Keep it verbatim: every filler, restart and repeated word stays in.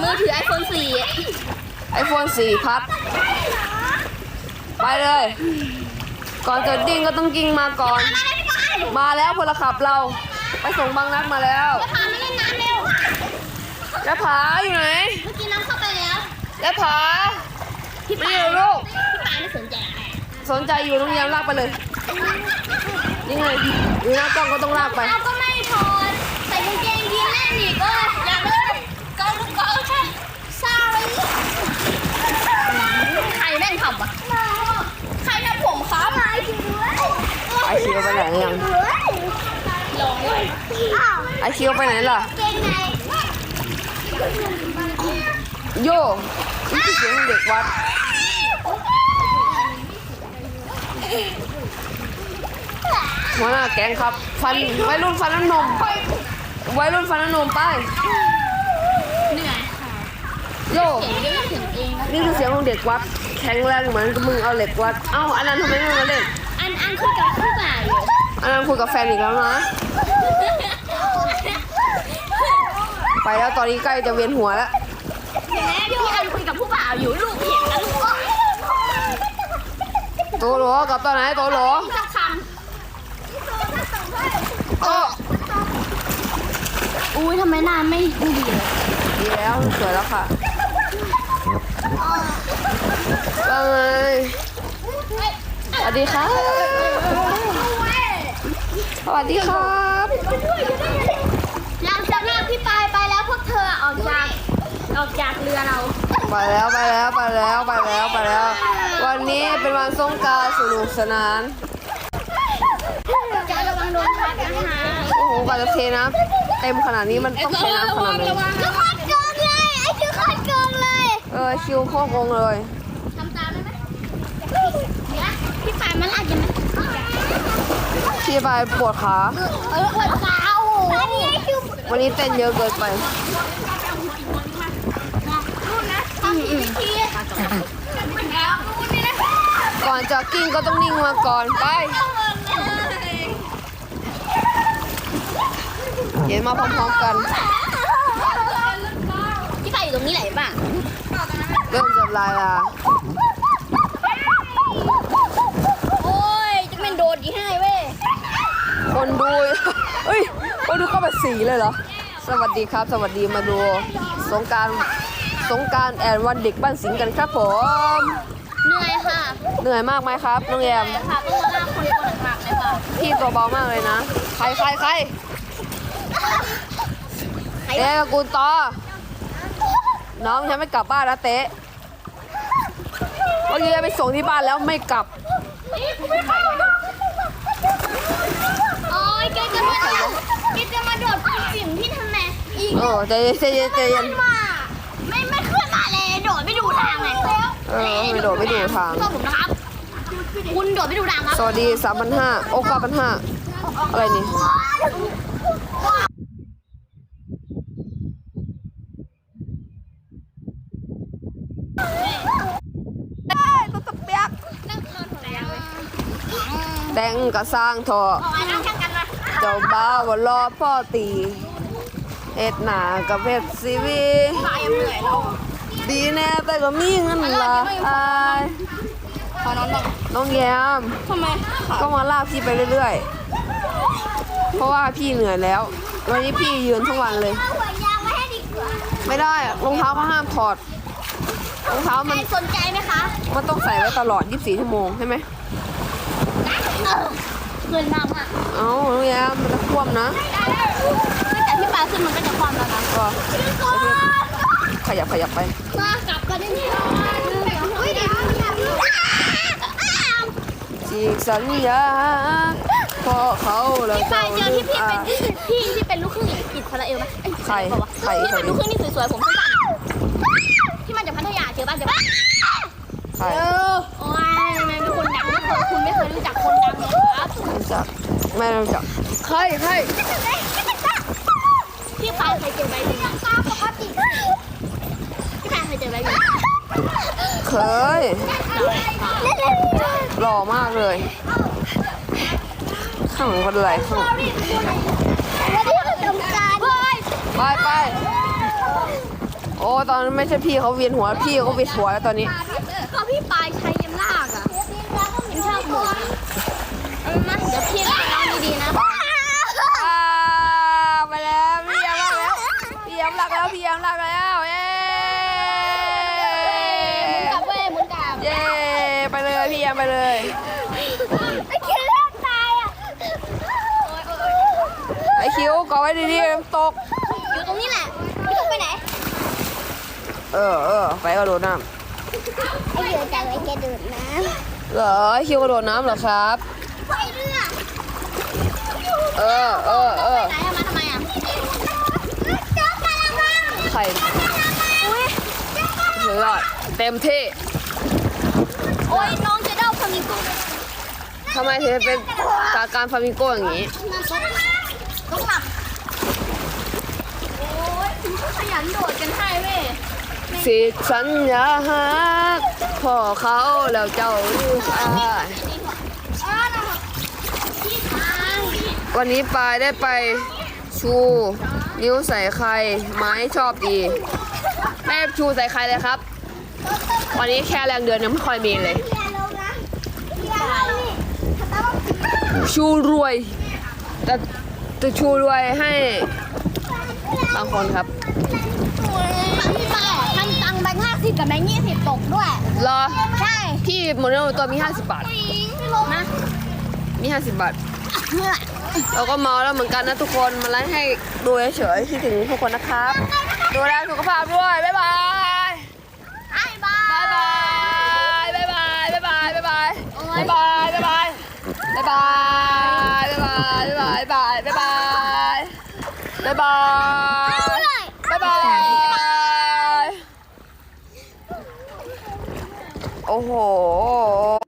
มือถือไอโฟนสี่ไอโฟนสี่พัดไปเลยก่อนจะดิ้งก็ต้องกิ้งมาก่อนมาแล้วพลขับเราไปส่งบางนัดมาแล้วพามาเล่นน้ำเร็วแล้วผาอยู่ไหนเมื่อกี้น้ำเข้าไปแล้วแล้วผาพี่ไม่ปาอยู่ลูกพี่ปาไม่สนใจสนใจอยู่โรงเรียนลากไปเลยนี่ไงอยู่หน้ากล้องก็ต้องลากไปเราก็ไม่ถอดใส่กางเกงยีนแน่นอีกเอออย่าเลยก็ก็ใช่ sorry ใครแม่งทำอ่ะใครทำผมครับไอคิวไปไหนยังลองเลยไอคิวไปไหนล่ะเกงในโย่นี่คือเสียงเด็กวัดหัวหน้าแก๊งครับฟันวัยรุ่นฟันน้ำนมวัยรุ่นฟันน้ำนมไปเหนื่อยค่ะโย่เสียงเยอะเสียงเองนี่คือเสียงของเด็กวัดแข็งแรงเหมือนกับมึงเอาเหล็กวัดเอ้าอันนั้นทำไมไม่มาเล่นอันอันคุยกับผู้บ่าวอยู่อันนั้นคุยกับแฟนอีกแล้วนะไปแล้วตอนนี้ใกล้จะเวียนหัวแล้วเห็นไหมพี่อันคุยกับผู้บ่าวอยู่ลูกเห็นนะลูกโตโหลกลับตอนไหนโตโหลสักคโอ้ำอุ้ยทำไมหน้าไม่ดีเลยดีแล้วสวยแล้วค่ะว่าไงสวัสดีครับสวัสดีครับเราจะลากพี่ปายไปแล้วพวกเธอออกจากออกจากเรือเราไปแล้วไปแล้วไปแล้วไปแล้วไปแล้ว วันนี้เป็นวันสงกรานต์สนุกสนานจะระวังโดนพัดนะคะโอ้โหกว่าจะเทน้ำเต็มขนาดนี้มันต้องใช้น้ำขนาดไหนคือคอนโกงเลยไอ้คือคอนโกงเลยเออคิวโคตรโกงเลยทำตามได้ไหมเดี๋ยวพี่ปายมันลากยังไงพี่ไปปวดขาเออปวดขาโอ้โหอันนี้คือวันนี้เต้นเยอะเกินไปรุ่นนะทำอีกทีแล้วรุ่นนี้นะก่อนจะกิ้งก็ต้องนิ่งมาก่อนไปเดี๋ยวมาพร้อมๆกันพี่ปายอยู่ตรงนี้ไหนบ้างเริ่มจะลายละโอ้ยจะเป็นโดดกี่ให้เว้ยคนดูเฮ้ยคนดูเข้าไปสีเลยเหรอสวัสดีครับ สวัสดีมาดูสงกรารสงกรารแอนวันเด็กบ้านสิงห์กันครับผมเหนื่อยค่ะเหนื่อยมากไหมครับน้องแยมค่ะต้องมาลากคนตัวหนักๆเลยค่ะพี่ตัวเบามากเลยนะใครใครใครเอ๊ะกูต่อน้องฉันไม่กลับบ้านแล้วเต๊ะเมื่อกี้ไปส่งที่บ้านแล้วไม่กลับโอ้ยแกจะมาแกจะมาโดดปีนสิ่งที่ทำไมอีกเออใจเย็นใจเย็นใจเย็นมาไม่ไม่ขึ้นมาเลยโดดไม่ดูทางเลยเออไม่โดดไม่ดูทางชอบผมนะครับคุณโดดไม่ดูทางครับสวัสดีสามพันห้าโอ้เก้าพันห้าอะไรนี่ตัวตะเปียกแดงกระสร้างทอออกมานั่งแข่งกันนะเจ้าบ่าวก็รอพ่อตีเอ็ดหนากับเพชรซีวีตายยังเหนื่อยแล้วดีแน่แต่ก็มีเงินละอายขอนอนบ้างน้องแยมทำไมก็มาลากพี่ไปเรื่อยๆ เพราะว่าพี่เหนื่อยแล้ว วันนี้พี่ยืนทั้งวันเลยเอาหัวยางมาให้ดีกว่าไม่ได้อะรองเท้าก็ห้ามถอด รองเท้าใคมันรสนใจไหมคะมันต้องใส่ไว้ตลอดยี่สิบสี่ชั่วโมงใช่ไหมเงินมากอ่ะเอ้าน้องแยมมันจะคว่ำนะแต่พี่ปาขึ้นมันก็จะความแล้วนะก็ขยับขยับไปมากลับกันได้เนี่ยอุ้ยเดี๋ยวจีกสัญญาพอเขาแล้วพี่ปาเจ้าเจอลืที่มพี่อาเป็นพี่ที่เป็นลูกครึ่งอิสราเอลไหมใครบอกว่าใครที่เป็นลูกครึ่งที่สวยๆผมสั้นๆที่มาจากพัทยาเจอบ้านเจอบ้านใครโอ้ยทำไมเป็นคนดังไม่เคยคุณไม่เคยรู้จักคนดังเลยครับรู้จักไม่รู้จักใครใครพี่ปาเคยเจอใบหนึ่งปกติพี่ปาเคยเจอใบหนึ่งเคยหล่อมากเลย ข้างหลังเป็นอะไรข้างหลังไม่ได้ทำการไปไปโอ้อ้ตอนนั้นไม่ใช่พี่เขาเวียนหัวพี่เขาเวียนหัวแล้วตอนนี้ก็พี่ปลายใช้ยำลากอ่ะยังชอบหมุนเอามาเดี๋ยวพี่ลองดีๆนะอ่าไปแล้วพี่ยำรักแล้วพี่ยำรักแล้วพี่ยำรักแล้วเย้กลับเว้ยหมุนกลับเย้ไปเลยพี่ยำไปเลยไอ้คิวเล่นตายอ่ะไอคิวเกาะไว้ดีๆน้ำตกอยู่ตรงนี้แหละพี่ต้องไปไหนเออเออไปกระโดดน้ไอ้เดือจะไว้แกดูดน้ำเหรอไอคิวกระโดดน้ำเหรอครับำไปเรือเออเออเออไหนเอามาทำไมอ่ะเจ้ากำลังว่างไข่อุ้ยสุดยอดเต็มที่โอ้ยน้องจะเด้าพามิโกทำไมถึงเป็นสาการฟามิงโก้อย่างนี้ต้องหลับโอ้ยถึงก็ขยันโดดกันให้เว้ยสิสัญญาหักพ่อเขาแล้วเจ้าลูกอายอ๋อนะพี่ทางวันนี้ปายได้ไปชูนิ้วใส่ใครไม้ชอบดีแม่ชูใส่ใครเลยครับ วันนี้แค่แรงเดือนยังไม่ค่อยมีเลยเรียนลงนะเรียนลงนี่ต้องชูรวยจะจะชูรวยให้บางคนครับพี่ป้าทำตังค์แบงค์ห้าสิบกับแบงค์ยี่สิบตกด้วยรอใช่พี่หมดเนื้อหมดตัวมี ห้าสิบบาทไม่ลงนะมี ห้าสิบบาท เราก็เมาแล้วเหมือนกันนะทุกคนมาไลฟ์ให้ดูเฉยๆคิดถึงทุกคนนะครับ ดูแลสุขภาพด้วย บ๊ายบายไอ้บ้าบ๊ายบาย บ๊ายบาย บ๊ายบาย บ๊ายบาย บ๊ายบาย บ๊ายบาย บ๊ายบาย บ๊ายบาย บ๊ายบาย บ๊ายบาย บ๊ายบาย บ๊ายบาย บ๊ายบาย โอ้โห